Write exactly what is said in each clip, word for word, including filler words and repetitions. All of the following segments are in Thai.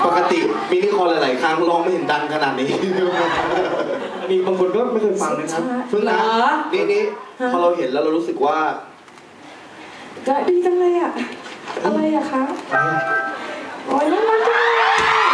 ปกติมินิคอนหลายๆครั้งร้องไม่เห็นดังขนาดนี้มีบางคนก็ไม่เคยฟังนะครับเพิ่งนะนี่นี่พอเราเห็นแล้วเรารู้สึกว่าจะดีจังเลยอะอะไรอะคะโอ้ยน่ารักจังเลย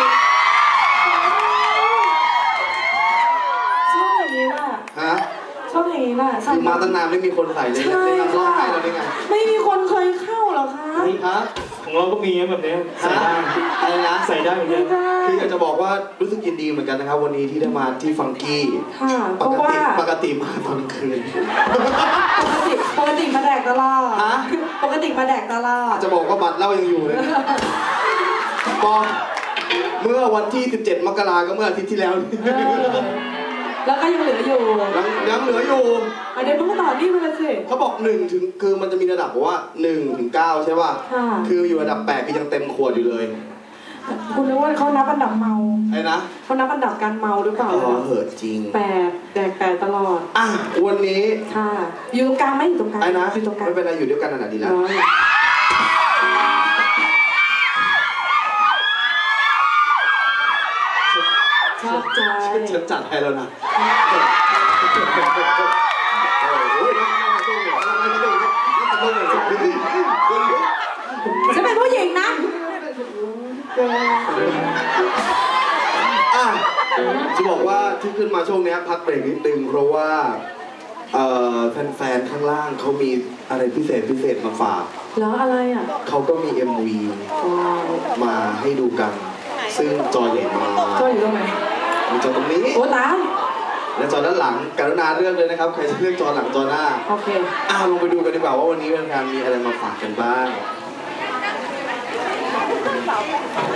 ชอบอย่างนี้ป่ะฮะชอบอย่างนี้ป่ะคือมาตั้งนานไม่มีคนใส่เลยเลยนำร้องให้เราได้ไงไม่มีคนเคยเข้าหรอคะฮะของเราก็มีแบบนี้ใส่ได้อะไรนะใส่ได้เหมือนกันคืออยากจะบอกว่ารู้สึกยินดีเหมือนกันนะครับวันนี้ที่ได้มาที่ฟังกี้ปกติปกติมาตอนคืนปกติปกติมาแดกตลอดปกติมาแดกตลอดจะบอกว่าบัตรเล่ายังอยู่เลยปอเมื่อวันที่สิบเจ็ดมกราก็เมื่ออาทิตย์ที่แล้วแล้วก็ยังเหลืออยู่ยังเหลืออยู่เดี๋ยวต้องต่อนี่มาเลยสิเขาบอกหนึ่งถึงคือมันจะมีระดับบอกว่าหนึ่งถึงเก้าใช่ป่ะคืออยู่ระดับแปดคือยังเต็มขวดอยู่เลยคุณรู้ว่าเขานับอันดับเมาไอ้นะเขานับอันดับการเมาหรือเปล่าอ๋อเหอะจริงแปดแดกแปดตลอดอ่ะวันนี้ค่ะอยู่ตรงกลางไหมอยู่ตรงกลางไอ้นะไม่เป็นไรอยู่ด้วยกันขนาดนี้แล้วชอบใจฉันจัดให้แล้วนะฉันเป็นผู้หญิงนะอ่ะจะบอกว่าที่ขึ้นมาช่วงนี้พักเบรกนิดนึงเพราะว่าแฟนๆข้างล่างเขามีอะไรพิเศษพิเศษมาฝากแล้วอะไรอ่ะเขาก็มี เอ็ม วี มาให้ดูกันซึ่งจอใหญ่มากจออยู่ตรงไหนมีจอตรงนี้โอ้ตายและจอด้านหลังกรุณาเลือกเลยนะครับใครจะเลือกจอหลังจอหน้าโอเคอ้าวลงไปดูกันดีกว่าว่าวันนี้แฟนๆมีอะไรมาฝากกันบ้าง